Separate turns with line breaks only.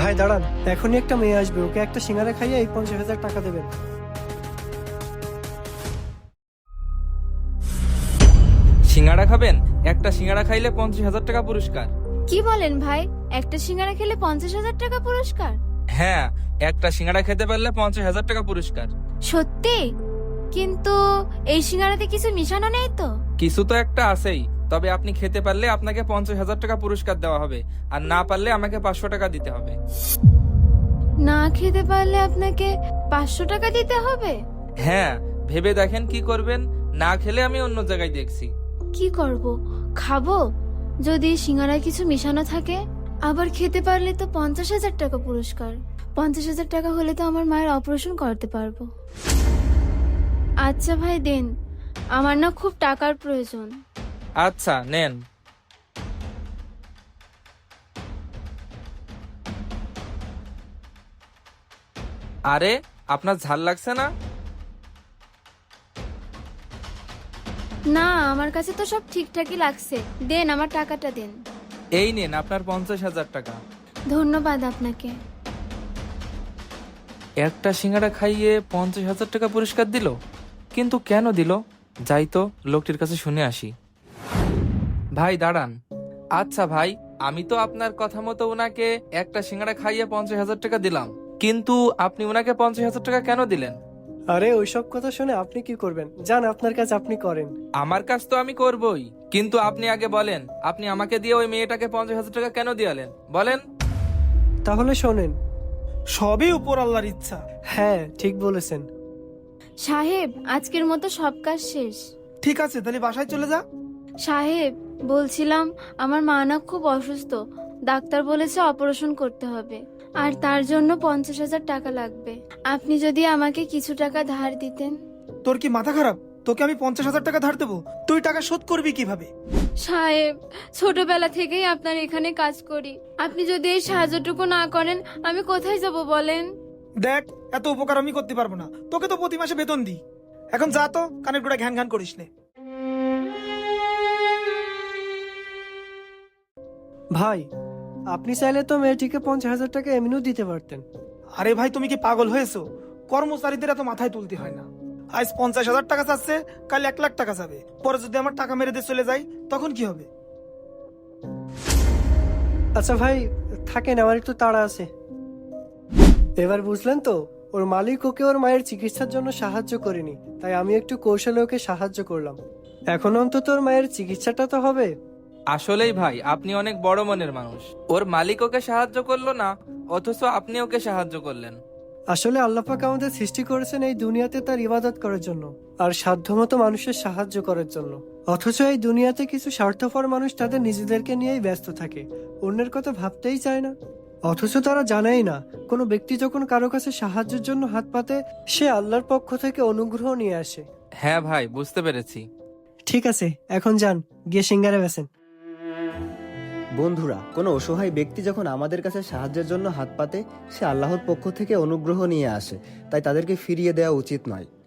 ভাই দাঁড়ান, এখনই একটা মেয়ে আসবে, ওকে একটা সিঙ্গারা খাইয়ে এই 50,000 টাকা দেবেন।
সিঙ্গাড়া খাবেন? একটা সিঙ্গাড়া খাইলে 50,000 টাকা পুরস্কার।
কি বলেন ভাই? একটা সিঙ্গারা খেলে 50,000 টাকা পুরস্কার?
হ্যাঁ, একটা সিঙ্গাড়া খেতে পারলে 50,000 টাকা পুরস্কার।
সত্যি? কিন্তু এই সিঙ্গারাতে কিছু মিশানো নেই তো?
কিছু তো একটা আছেই। তবে আপনি খেতে পারলে আপনাকে 50,000 টাকা পুরস্কার দেওয়া হবে, আর না পারলে আমাকে 500 টাকা দিতে হবে।
না খেতে পারলে আপনাকে 500 টাকা দিতে হবে?
হ্যাঁ, ভেবে দেখেন কি করবেন। না খেলে আমি অন্য জায়গায় দেখছি।
কি করব? খাবো? যদি সিঙ্গারায় কিছু মিশানো থাকে? আবার খেতে পারলে তো 50,000 টাকা পুরস্কার। 50,000 টাকা হলে তো আমার মায়ের অপারেশন করতে পারবো। আচ্ছা ভাই দেন, আমার না খুব টাকার প্রয়োজন।
আচ্ছা নেন। আরে, আপনার ঝাল লাগছে না?
না, আমার কাছে তো সব ঠিকঠাকই লাগছে। দেন, আমার টাকাটা দেন।
এই নেন আপনার 50,000 টাকা।
ধন্যবাদ আপনাকে।
একটা সিঙ্গাড়া খাইয়ে 50,000 টাকা পুরস্কার দিল, কিন্তু কেন দিল? যাই তো লোকটির কাছে শুনে আসি। ভাই দাঁড়ান। আচ্ছা ভাই, আমি তো আপনার কথা মতো ওনাকে একটা সিঙ্গাড়া খাইয়ে 50,000 টাকা দিলাম, কিন্তু আপনি ওনাকে 50,000 টাকা কেন দিলেন?
আরে ওইসব কথা শুনে আপনি কি করবেন? যান, আপনার কাজ আপনি করেন।
আমার কাজ তো আমি করবই, কিন্তু আপনি আগে বলেন, আপনি আমাকে দিয়ে ওই মেয়েটাকে 50,000 টাকা কেন দিয়ালেন বলেন।
তাহলে শোনেন।
সবই উপর আল্লাহর ইচ্ছা।
হ্যাঁ, ঠিক বলেছেন।
সাহেব, আজকের মতো সব কাজ শেষ।
ঠিক আছে, তাহলে বাসায় চলে যা।
সাহেব, বলছিলাম আমার মা না খুব অসুস্থ। ডাক্তার বলেছে অপারেশন করতে হবে, আর তার জন্য 50,000 টাকা লাগবে। আপনি যদি আমাকে কিছু টাকা ধার দিতেন।
তোর কি মাথা খারাপ? তোকে আমি 50,000 টাকা ধার দেবো? তুই টাকা শোধ করবি কিভাবে?
সাহেব, ছোটবেলা থেকেই আপনার এখানে কাজ করি। আপনি যদি এই সাহায্যটুকু না করেন, আমি কোথায় যাব বলেন?
দেখ, এত উপকার আমি করতে পারবো না। তোকে তো প্রতি মাসে বেতন দিই। এখন যা তো, কানের গোড়া ঘ্যান ঘ্যান করিস নে।
ভাই, আপনি চাইলে তো মেয়েটিকে 50,000 টাকা এমনিও দিতে পারতেন।
আরে ভাই, তুমি কি পাগল হয়েছো? কর্মচারীদের এত মাথায় তুলতে হয় না। আজ 50,000 টাকা চাচ্ছে, কাল 1,00,000 টাকা যাবে। পরে যদি আমার টাকা মেরে দিয়ে চলে যায়, তখন কি হবে?
আচ্ছা ভাই, থাকেন, আমার একটু তাড়া আছে। এবার বুঝলেন তো, ওর মালিক ওকে ওর মায়ের চিকিৎসার জন্য সাহায্য করেনি, তাই আমি একটু কৌশলে ওকে সাহায্য করলাম। এখন অন্তত ওর মায়ের চিকিৎসাটা তো হবে।
আসলেই ভাই, আপনি অনেক বড় মনের মানুষ। ওর মালিক ওকে সাহায্য করলো না, অথচ আপনি ওকে সাহায্য করলেন।
আসলে আল্লাহ পাক আমাদের সৃষ্টি করেছেন এই দুনিয়াতে তার ইবাদত করার জন্য, আর সাধ্যমতো মানুষের সাহায্য করার জন্য। অথচ এই দুনিয়াতে কিছু স্বার্থপর মানুষ তাদের নিজেদেরকে নিয়েই ব্যস্ত থাকে, অন্যের কথা ভাবতেই চায় না। অথচ তারা জানেই না, কোনো ব্যক্তি যখন কারো কাছে সাহায্যের জন্য হাত পাতে, সে আল্লাহর পক্ষ থেকে অনুগ্রহ নিয়ে আসে।
হ্যাঁ ভাই, বুঝতে পেরেছি।
ঠিক আছে, এখন যান, গিয়ে সিঙ্গারা বেচেন।
বন্ধুরা, কোনো অসহায় ব্যক্তি যখন আমাদের কাছে সাহায্যের জন্য হাত পাতে, সে আল্লাহর পক্ষ থেকে অনুগ্রহ নিয়ে আসে, তাই তাদেরকে ফিরিয়ে দেওয়া উচিত নয়।